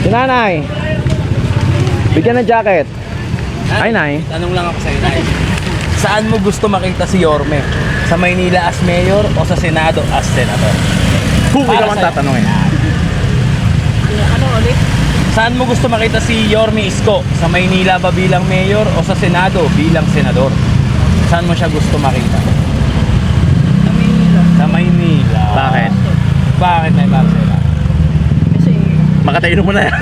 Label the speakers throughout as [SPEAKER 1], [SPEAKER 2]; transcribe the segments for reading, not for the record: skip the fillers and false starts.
[SPEAKER 1] Si nanay. Bigyan ng jacket. Ay, nay.
[SPEAKER 2] Tanong lang ako sa'yo, Nay. Saan mo gusto makita si Yorme? Sa Maynila as mayor o sa Senado as senator?
[SPEAKER 1] Kung
[SPEAKER 2] Para
[SPEAKER 1] ikaw ang
[SPEAKER 2] sa'yo.
[SPEAKER 1] tatanungin.
[SPEAKER 3] Ano ulit?
[SPEAKER 2] Saan mo gusto makita si Yorme Isko? Sa Maynila ba bilang mayor o sa Senado bilang senador? Saan mo siya gusto makita?
[SPEAKER 3] Sa Manila.
[SPEAKER 2] Sa Maynila.
[SPEAKER 1] Bakit?
[SPEAKER 2] Bakit, Nay Marcela?
[SPEAKER 3] Kasi
[SPEAKER 1] Makatayin mo na yan.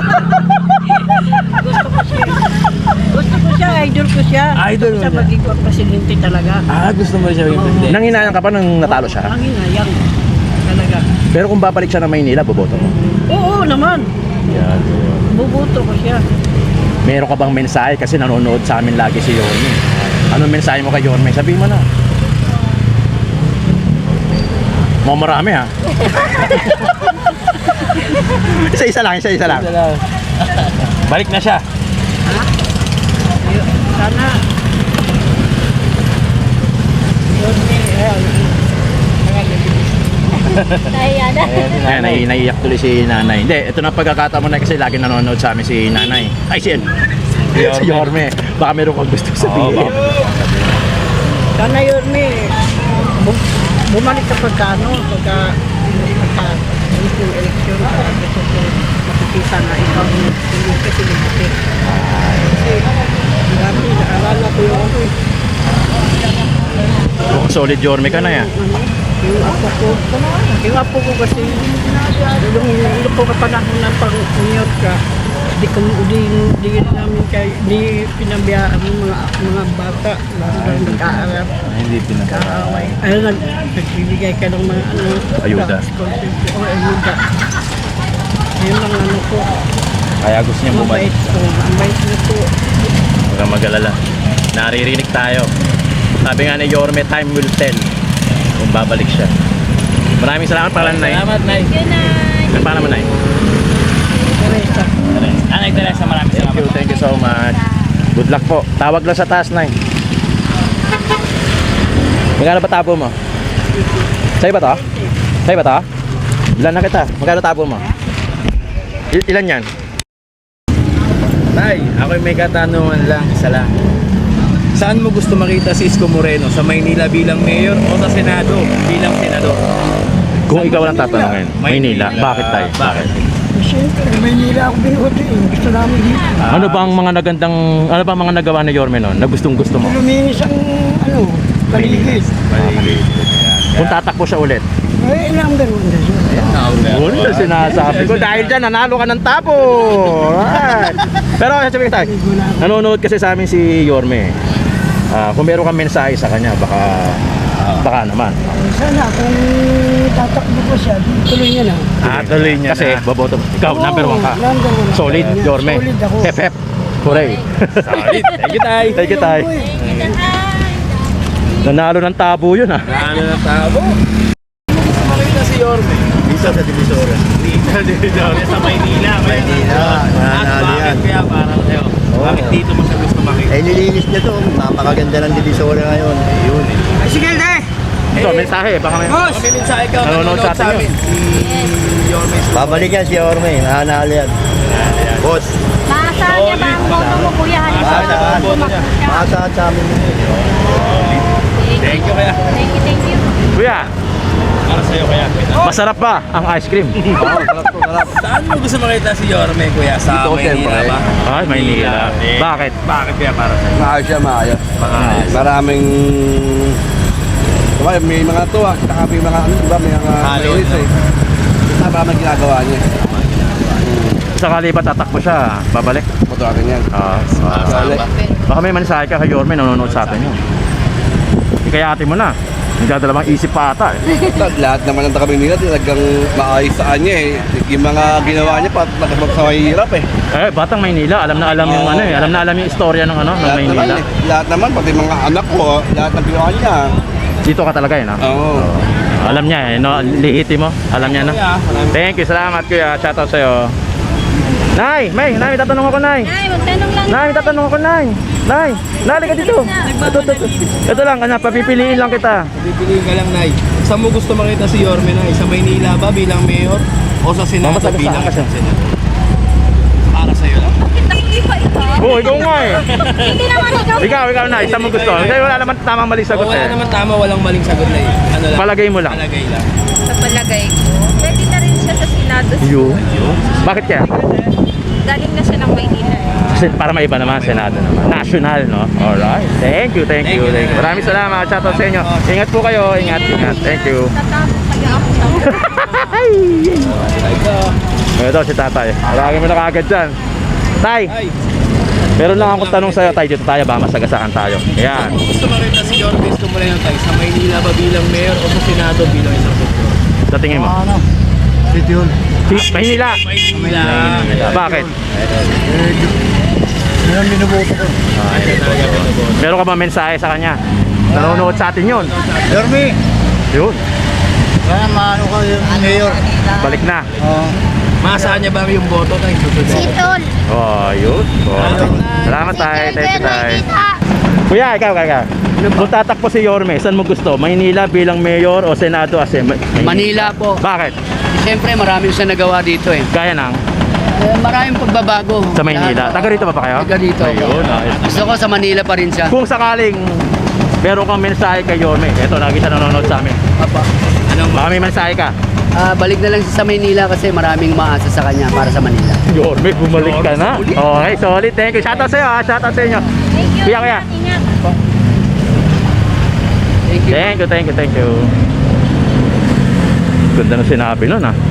[SPEAKER 3] gusto ko siya. Gusto ko siya, idol ko siya.
[SPEAKER 2] Idol mo
[SPEAKER 3] Gusto ko siya
[SPEAKER 2] siya.
[SPEAKER 3] maging presidente talaga.
[SPEAKER 2] Gusto mo siya yung presidente?
[SPEAKER 1] Nanginayang ka pa nung natalo siya.
[SPEAKER 3] Ang hinayang talaga.
[SPEAKER 1] Pero kung babalik siya ng Maynila, boboto mo.
[SPEAKER 3] Oo naman.
[SPEAKER 1] Yan.
[SPEAKER 3] Bubuto ko siya.
[SPEAKER 1] Meron ka bang mensahe? Kasi nanonood sa amin lagi si Yorme. Anong mensahe mo kay Yorme? Sabihin mo na. Mga marami ha. Isa-isa lang, isa-isa lang.
[SPEAKER 2] Balik na siya.
[SPEAKER 3] Ha? Sana. Yun
[SPEAKER 1] Ayan, naiiyak tuloy si nanay. Hindi, ito na pagkakataon mo na kasi lagi nanonood sa amin si nanay. Ay, si Yorme. Baka meron kang gusto sabihin.
[SPEAKER 3] Sana yun, bumalik ka pagka yung eleksyon, gusto ko makikita na ikaw yung presidente. Kasi, dati naalala ko yung
[SPEAKER 1] Mukhang solid Yorme ka na yan.
[SPEAKER 3] yung apo ko kasi, yung po kapanahon ng pag-unyot ka, di namin di pinabiyaan ng mga bata, lalo lang nag-aaral.
[SPEAKER 2] Hindi
[SPEAKER 3] Kaaway. Ayun, nagbibigay ka ng mga
[SPEAKER 1] Ayuda.
[SPEAKER 3] scholarship o ayuda. Ayun lang ano po.
[SPEAKER 2] Kaya gusto niya bumalik.
[SPEAKER 3] Ang bait na po.
[SPEAKER 1] Huwag kang mag-alala. Naririnig tayo. Sabi nga ni Yorme, time will tell kung babalik siya. Maraming salamat pala, Nay.
[SPEAKER 2] Salamat, Nay.
[SPEAKER 1] Ano pa naman, Nay?
[SPEAKER 3] Teresa.
[SPEAKER 2] Nay Teresa, maraming salamat.
[SPEAKER 1] Thank you so much. Good luck po. Tawag lang sa taas, Nay. Magkano ba tabo mo? Sa'yo ba to? Sa'yo ba to? Ilan na kita? Magkano tabo mo? Ilan yan?
[SPEAKER 2] Tay, ako'y may katanungan lang, isa lang. Saan mo gusto makita si Isko Moreno? Sa Maynila bilang mayor o sa Senado bilang senador?
[SPEAKER 1] Kung ikaw lang tatanungin, Maynila. Bakit, Tay?
[SPEAKER 2] Bakit?
[SPEAKER 3] Siyempre, Maynila ako binuti. Gusto namin dito.
[SPEAKER 1] Ano bang mga nagawa ni Yorme noon na gustong-gusto mo?
[SPEAKER 3] Luminis ang paligid.
[SPEAKER 1] Kung tatakbo siya ulit.
[SPEAKER 3] Ay, ilang ganun na siya.
[SPEAKER 1] Yun na sinasabi ko. Dahil dyan, nanalo ka ng tabo. Right. Pero sabi ko tayo, nanonood kasi sa amin si Yorme. Kung meron kang mensahe sa kanya, baka naman.
[SPEAKER 3] Sana kung tatakbo ko siya, tuloy niya na.
[SPEAKER 1] Tuloy niya kasi boboto. Ikaw, number 1 ka.
[SPEAKER 3] Number one ako.
[SPEAKER 1] Solid, Yorme.
[SPEAKER 3] Solid ako.
[SPEAKER 1] Hep, hep. Hooray.
[SPEAKER 2] Solid. Thank you, Tay.
[SPEAKER 1] Thank you, Tay. Nanalo ng tabo yun, ha.
[SPEAKER 2] Ano na tabo? Gusto makita si Yorme?
[SPEAKER 1] Dito sa Divisoria.
[SPEAKER 2] Sa Maynila.
[SPEAKER 1] mananalo yan.
[SPEAKER 2] Bakit kaya para sa'yo? Bakit dito mo siya gusto makita?
[SPEAKER 4] nilinis niya to. Napakaganda ng Divisoria ngayon. Ayun.
[SPEAKER 3] Sige, de!
[SPEAKER 1] Ito, mensahe. Baka may...
[SPEAKER 3] Boss!
[SPEAKER 2] Kami mensahe ka,
[SPEAKER 1] Nanonood sa atin
[SPEAKER 2] amin. Si Yorme Isko.
[SPEAKER 4] Babalik yan si Orme. Nanalo yan. Boss.
[SPEAKER 5] Maasahan niya ba ang boto mo, kuya? Halimbawa,
[SPEAKER 4] Maasahan.
[SPEAKER 5] tumakbo siya.
[SPEAKER 4] Maasahan sa amin.
[SPEAKER 2] Thank you, kaya.
[SPEAKER 5] Thank you, thank you.
[SPEAKER 1] Kuya,
[SPEAKER 2] Para sa'yo, kaya.
[SPEAKER 1] masarap ba ang ice cream?
[SPEAKER 2] Saan mo gusto makita si Yorme, kuya? Sa
[SPEAKER 4] Dito,
[SPEAKER 2] Maynila
[SPEAKER 4] siyempre.
[SPEAKER 2] ba?
[SPEAKER 1] Ay, Maynila. Bakit?
[SPEAKER 2] Bakit kaya para sa'yo?
[SPEAKER 6] Maayos siya, maayos.
[SPEAKER 2] Maayos.
[SPEAKER 6] Maraming... Diba, may mga tuwa, saka may mga ano, diba, may mga
[SPEAKER 2] Halo,
[SPEAKER 6] mayroon
[SPEAKER 2] no?
[SPEAKER 6] eh. Tama ang ginagawa niya.
[SPEAKER 1] Sakali ba tatakbo siya, babalik?
[SPEAKER 6] Motorakin yan.
[SPEAKER 2] Masama.
[SPEAKER 1] Baka may mensahe ka kay Yorme, nanonood sa atin yun. Ikayati mo na. Nagdadalawang isip pa ata eh.
[SPEAKER 6] Lahat naman ng taga nila talagang maayos sa kanya eh. Yung mga ginawa niya, nakasabag sa mahirap eh.
[SPEAKER 1] Eh, batang Maynila, alam na alam yung ano eh. Alam na alam yung istorya ng ano, ng
[SPEAKER 6] Lahat naman
[SPEAKER 1] Maynila.
[SPEAKER 6] eh. Lahat naman, pati mga anak ko, lahat ng ginawa niya.
[SPEAKER 1] Dito ka talaga eh, no?
[SPEAKER 6] Oo.
[SPEAKER 1] Alam niya eh, no? Lihiti mo. Alam niya, no? Thank you, salamat kuya. Shoutout sa'yo. Nay, May tatanong ako, Nay.
[SPEAKER 5] Ay, magtanong lang.
[SPEAKER 1] Nay, tatanong ako, Nay. Nay, nali ka dito. Ito lang, papipiliin lang kita.
[SPEAKER 2] Bibili ka lang, Nay. Saan mo gusto makita si Yorme, Nay? Sa Maynila ba bilang mayor? O sa Senado
[SPEAKER 1] Mamasagasaan
[SPEAKER 2] bilang
[SPEAKER 1] ka siya.
[SPEAKER 2] isang senador? sa'yo lang.
[SPEAKER 5] Hindi pa ikaw.
[SPEAKER 1] Oo, ikaw nga eh.
[SPEAKER 5] Hindi naman ikaw.
[SPEAKER 1] Ikaw na, isa mo gusto. Kasi wala naman tamang mali sagot
[SPEAKER 2] Wala
[SPEAKER 1] eh.
[SPEAKER 2] naman tama, walang maling sagot na yun. Ano lang?
[SPEAKER 1] Palagay mo lang.
[SPEAKER 2] Palagay lang.
[SPEAKER 5] Sa palagay ko, pwede na rin siya sa Senado.
[SPEAKER 1] Yun. Bakit kaya?
[SPEAKER 5] Galing na siya ng Maynila eh.
[SPEAKER 1] Kasi para may iba naman, Senado naman. National, no? Alright. Thank you. Maraming salamat. Shoutout sa inyo. Ingat po kayo. Ingat. Thank you.
[SPEAKER 5] Tatapos kaya ako sa
[SPEAKER 1] Ito si tatay. Lagi mo na kagad dyan. Tay,
[SPEAKER 2] Ay,
[SPEAKER 1] meron lang akong tanong sa'yo, tay. Dito tayo ba? Masagasaan tayo. Ayan.
[SPEAKER 2] kung gusto makita si Yorme Isko Moreno tayo sa Maynila ba bilang mayor o sa Senado bilang isang senador?
[SPEAKER 1] Sa tingin mo?
[SPEAKER 4] Ano? City Hall.
[SPEAKER 1] Maynila.
[SPEAKER 2] Maynila.
[SPEAKER 1] Bakit?
[SPEAKER 4] Yan binuboto ko.
[SPEAKER 1] Meron ka ba mensahe sa kanya? Nanonood sa atin yun.
[SPEAKER 4] Yorme!
[SPEAKER 1] Yun.
[SPEAKER 4] Kaya maano ka yung mayor.
[SPEAKER 1] Balik na.
[SPEAKER 2] Maasahan niya ba yung boto tayo?
[SPEAKER 5] Sitol.
[SPEAKER 1] Oh, yun. Salamat tay. Thank you tay. Kuya, ikaw. Kung tatakbo si Yorme, saan mo gusto? Maynila bilang mayor o Senado as
[SPEAKER 7] Manila po.
[SPEAKER 1] Bakit?
[SPEAKER 7] Siyempre maraming siya nagawa dito eh.
[SPEAKER 1] Gaya ng
[SPEAKER 7] Maraming pagbabago.
[SPEAKER 1] sa Maynila. Taga rito ba kayo?
[SPEAKER 7] Taga dito.
[SPEAKER 1] Ayun, ayos.
[SPEAKER 7] Gusto ko sa Manila pa rin siya.
[SPEAKER 1] Kung sakaling meron kang mensahe kay Yorme, eto, lagi siya nanonood sa amin.
[SPEAKER 7] Papa.
[SPEAKER 1] Baka may mensahe ka.
[SPEAKER 7] Balik na lang siya sa Manila kasi maraming maasa sa kanya para sa Manila.
[SPEAKER 1] Yorme, bumalik ka na. Okay, solid. Thank you. Shoutout sa iyo, ha. Shoutout sa inyo.
[SPEAKER 5] Thank you.
[SPEAKER 1] Kuya.
[SPEAKER 5] Ingat.
[SPEAKER 7] Thank you.
[SPEAKER 1] Thank you. Ganda ng sinabi nun, ha.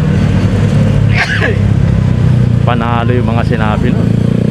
[SPEAKER 1] Panalo yung mga sinabi nun.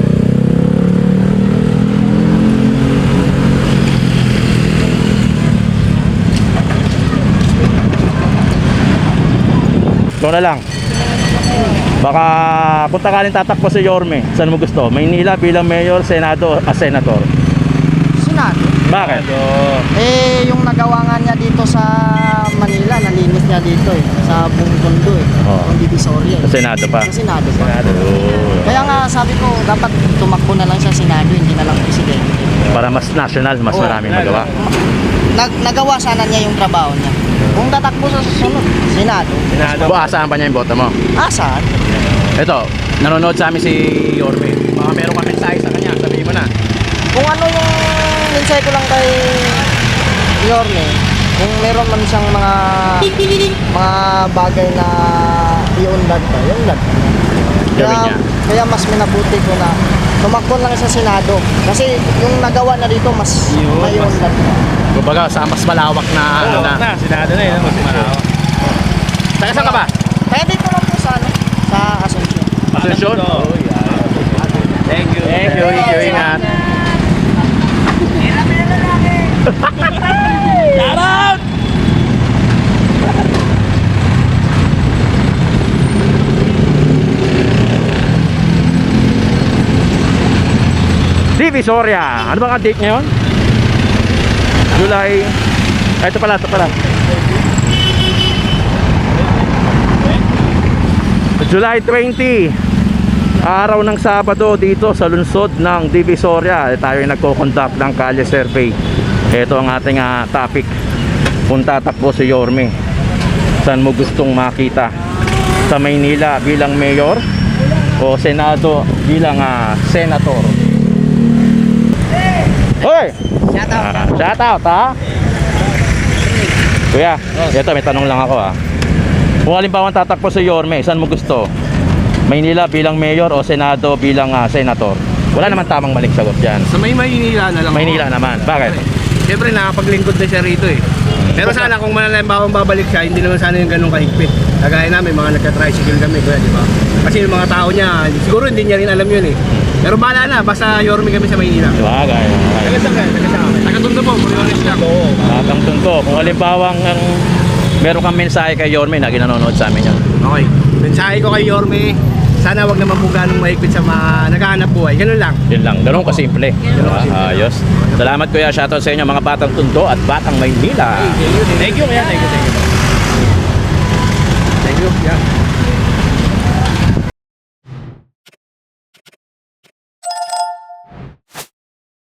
[SPEAKER 1] Ito na lang. Baka kung takaling tatakbo si Yorme, saan mo gusto? Maynila bilang mayor, Senado as senator.
[SPEAKER 8] Senado.
[SPEAKER 1] Bakit?
[SPEAKER 8] Eh, yung nagawa nga niya dito sa Manila, nalinis niya dito eh. Sa buong tondo eh.
[SPEAKER 1] Oo.
[SPEAKER 8] Yung Divisoria eh.
[SPEAKER 1] Sa Senado pa.
[SPEAKER 8] Sa Senado pa.
[SPEAKER 1] Oh.
[SPEAKER 8] Kaya nga sabi ko, dapat tumakbo na lang sa Senado, hindi na lang presidente.
[SPEAKER 1] Para mas national, mas
[SPEAKER 8] Oo.
[SPEAKER 1] maraming magawa.
[SPEAKER 8] Nagawa sana niya yung trabaho niya. Kung tatakbo sa susunod, Senado.
[SPEAKER 1] Bukasan pa niya yung boto mo.
[SPEAKER 8] Saan?
[SPEAKER 1] Ito, nanonood sa amin si Yorme. Baka meron ka mensahe sa kanya, sabihin mo na.
[SPEAKER 8] Kung ano yung mensahe ko lang kay Yorme, kung meron man siyang mga bagay na i-unlad pa, i-unlad pa.
[SPEAKER 1] Gawin niya.
[SPEAKER 8] Kaya mas minabuti ko na tumakbo lang sa Senado. Kasi yung nagawa na dito, mas may unlad pa.
[SPEAKER 1] Kumbaga, sa mas malawak na ano na.
[SPEAKER 2] Senado na yun. Mas malawak.
[SPEAKER 1] Taga saan ka ba?
[SPEAKER 8] Kaya dito lang po sa, sa Asuncion.
[SPEAKER 1] Asensyon?
[SPEAKER 2] Thank you.
[SPEAKER 1] Thank you, ingat.
[SPEAKER 2] Shout out!
[SPEAKER 1] Divisoria. Ano bang ang date ngayon? July. Ito pala. July 20. Araw ng Sabado dito sa lungsod ng Divisoria. Tayo ay nagko-conduct ng kalye survey. Ito ang ating topic. Kung tatakbo si Yorme, saan mo gustong makita? Sa Maynila bilang mayor o Senado bilang senator? Hoy! Shout out ha? Kuya, ito may tanong lang ako ha. Kung halimbawa tatakbo si Yorme, saan mo gusto? Maynila bilang mayor o Senado bilang senator? Wala naman tamang maling sagot yan.
[SPEAKER 2] Sa Maynila na lang.
[SPEAKER 1] Maynila naman. Bakit?
[SPEAKER 2] Siyempre nakapaglingkod na siya rito eh. Pero sana kung manalambawang babalik siya, hindi naman sana yung ganun kahigpit. Kagaya namin, mga nagka-tricycle kami, kuya, di ba? Kasi yung mga tao niya, siguro hindi niya rin alam yun eh. Pero bahala na, basta Yorme kami sa Maynila.
[SPEAKER 1] Bagay.
[SPEAKER 2] Taga-saan ka? Taga-Tondo po, Moriones lang.
[SPEAKER 1] Tatang tunto. Kung halimbawang meron kang mensahe kay Yorme na ginanonood sa amin yun.
[SPEAKER 2] Okay. Mensahe ko kay Yorme, sana wag naman po ganong mahigpit sa mga naghahanap buhay. Ganun lang.
[SPEAKER 1] Yun lang. Ganun kasimple. Ayos. Salamat kuya. Shoutout sa inyo mga batang Tondo at batang Maynila.
[SPEAKER 2] Thank you, kuya. Thank you. Thank you. Yeah.